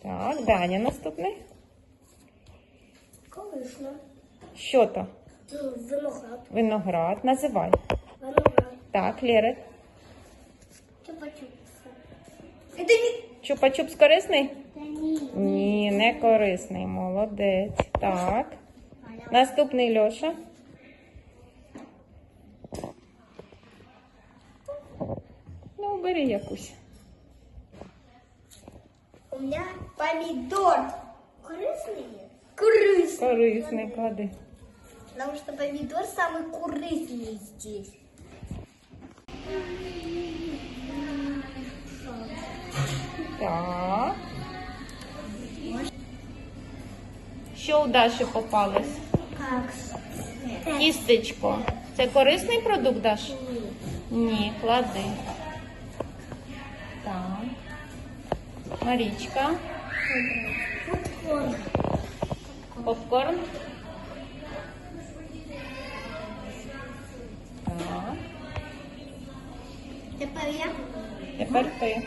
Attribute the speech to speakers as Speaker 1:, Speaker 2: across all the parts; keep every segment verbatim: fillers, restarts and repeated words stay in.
Speaker 1: Так, Даня наступний.
Speaker 2: Корисна.
Speaker 1: Що то?
Speaker 2: Виноград.
Speaker 1: Виноград. Називай.
Speaker 2: Виноград.
Speaker 1: Так, Лєра.
Speaker 2: Чупа-чупс. Это не...
Speaker 1: Чупа-чупс корисний?
Speaker 2: Да не.
Speaker 1: Ні, не корисний. Молодець. Так. Наступний Льоша. Ну, бери якусь.
Speaker 2: У меня помидор. Корыстный? Корыстный.
Speaker 1: Корисний, клади.
Speaker 2: Потому что помидор самый корыстный здесь.
Speaker 1: Так. Що у Даші попалось?
Speaker 2: Как?
Speaker 1: Тістечко. Це корисний продукт, Даш? Ні, клади. Так. Марічка.
Speaker 2: Попкорн.
Speaker 1: Попкорн. Так.
Speaker 2: Теперь я.
Speaker 1: Тепер ти.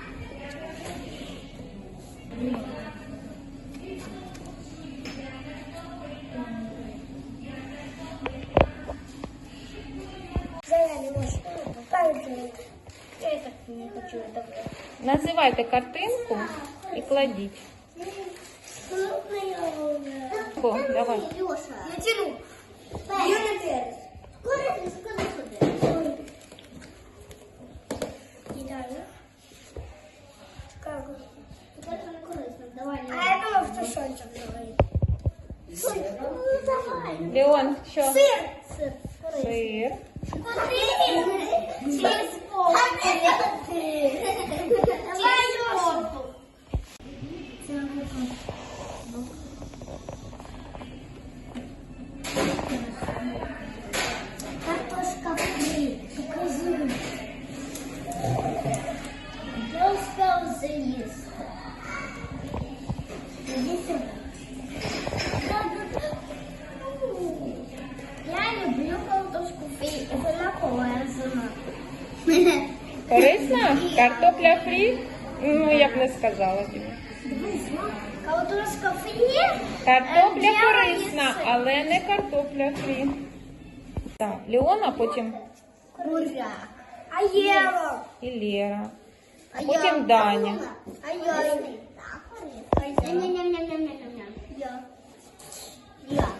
Speaker 2: Заря не может. Я так не хочу это.
Speaker 1: Називайте картинку і кладіть. О, давай.
Speaker 2: Леша. Я тяну. Я на перец. Корыстный, корыстный. Кидаю. Как? Корыстный, корыстный. Давай. А я думал, что Сончик говорит. Сончик, ну давай.
Speaker 1: Леон, що?
Speaker 2: Сыр. Сыр.
Speaker 1: Сир.
Speaker 2: Через пол. Давай, Леша. Картошка фри. Покажи. Я успел заесть. Иди сюда. Я люблю картошку фри. Это на кого я сама.
Speaker 1: Корисна? Картопля фрі? Ну, я б не сказала тобі.
Speaker 2: Картошка фри.
Speaker 1: Картопля
Speaker 2: Е,
Speaker 1: корисна,
Speaker 2: дьявол
Speaker 1: але не картопля фрі. Так, Леон, а потім
Speaker 2: Буряк. А Ева?
Speaker 1: і Лера.
Speaker 2: А
Speaker 1: Потім Даня.
Speaker 2: А я? А я? Ням-ням-ням-ням-ням-ням. Я. Я.